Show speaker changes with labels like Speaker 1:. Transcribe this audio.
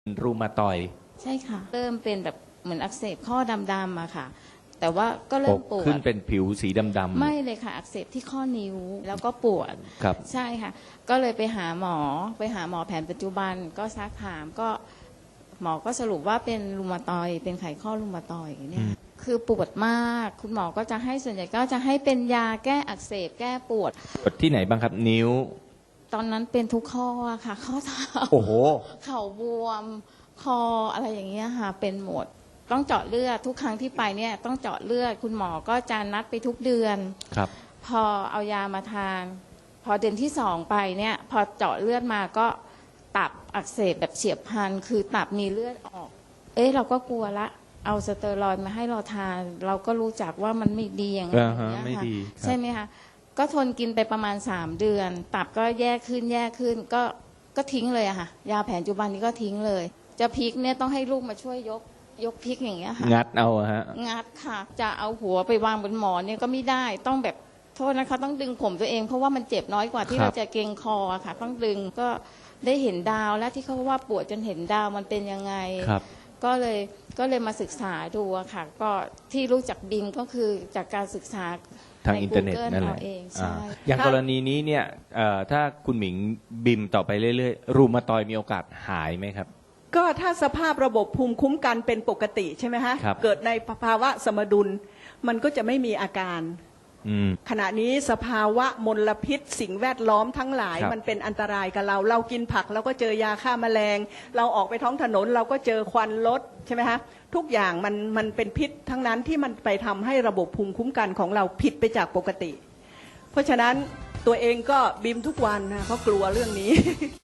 Speaker 1: รูมาตอยด์
Speaker 2: ใช่ค่ะเริ่มเป็นแบบเหมือนอักเสบข้อดำๆอะค่ะแต่ว่าก็เริ่มปวด
Speaker 1: ขึ้นเป็นผิวสีดำๆ
Speaker 2: ไม่เลยค่ะอักเสบที่ข้อนิ้วแล้วก็ปวด
Speaker 1: ครับ
Speaker 2: ใช่ค่ะก็เลยไปหาหมอแผนปัจจุบันก็ซักถามก็หมอก็สรุปว่าเป็นรูมาตอยด์เป็นไขข้อรูมาตอยด์เนี่ยคือปวดมากคุณหมอก็จะให้ส่วนใหญ่ก็จะให้เป็นยาแก้อักเสบแก้ปวด
Speaker 1: ที่ไหนบ้างครับนิ้ว
Speaker 2: ตอนนั้นเป็นทุกข้อค่ะข้อเท้า
Speaker 1: โอ้โห
Speaker 2: เข่าบวมคออะไรอย่างเงี้ยค่ะเป็นหมดต้องเจาะเลือดทุกครั้งที่ไปเนี่ยต้องเจาะเลือดคุณหมอก็จะนัดไปทุกเดือน
Speaker 1: ครับ
Speaker 2: พอเอายามาทานพอเดือนที่2ไปเนี่ยพอเจาะเลือดมาก็ตับอักเสบแบบเฉียบพลันคือตับมีเลือดออกเราก็กลัวละเอาสเตียรอยด์มาให้เราทานเราก็รู้จักว่ามันไม่ดีอย่างนี้ค่ะใช่ไหมคะก็ทนกินไปประมาณ3เดือนตับก็แย่ขึ้นก็ทิ้งเลยอะค่ะยาแผนปัจจุบันนี้ก็ทิ้งเลยจะพลิกเนี่ยต้องให้ลูกมาช่วยยกพลิกอย่างเงี้ยค่ะ
Speaker 1: งัดเอาฮะ
Speaker 2: งัดค่ะจะเอาหัวไปวางบนหมอนเนี่ยก็ไม่ได้ต้องแบบโทษนะคะต้องดึงผมตัวเองเพราะว่ามันเจ็บน้อยกว่าที่เราจะเกร็งคอค่ะต้องดึงก็ได้เห็นดาวและที่เขาว่าปวดจนเห็นดาวมันเป็นยังไงก็เลยมาศึกษาดูอะค่ะก็ที่รู้จักบิมก็คือจากการศึกษา
Speaker 1: ทางอินเทอร์เน็ตนั่นแหละอย่างกรณีนี้เนี่ยถ้าคุณหมิงบิมต่อไปเรื่อยๆรูมาตอยด์มีโอกาสหายไหมครับ
Speaker 3: ก็ถ้าสภาพระบบภูมิคุ้มกันเป็นปกติใช่ไหมฮะเกิดในภาวะสมดุลมันก็จะไม่มีอาการขณะนี้สภาวะมลพิษสิ่งแวดล้อมทั้งหลายมันเป็นอันตรายกับเรากินผักเราก็เจอยาฆ่าแมลงเราออกไปท้องถนนเราก็เจอควันรถใช่ไหมฮะทุกอย่างมันเป็นพิษทั้งนั้นที่มันไปทำให้ระบบภูมิคุ้มกันของเราผิดไปจากปกติเพราะฉะนั้นตัวเองก็บิมทุกวันนะเพราะกลัวเรื่องนี้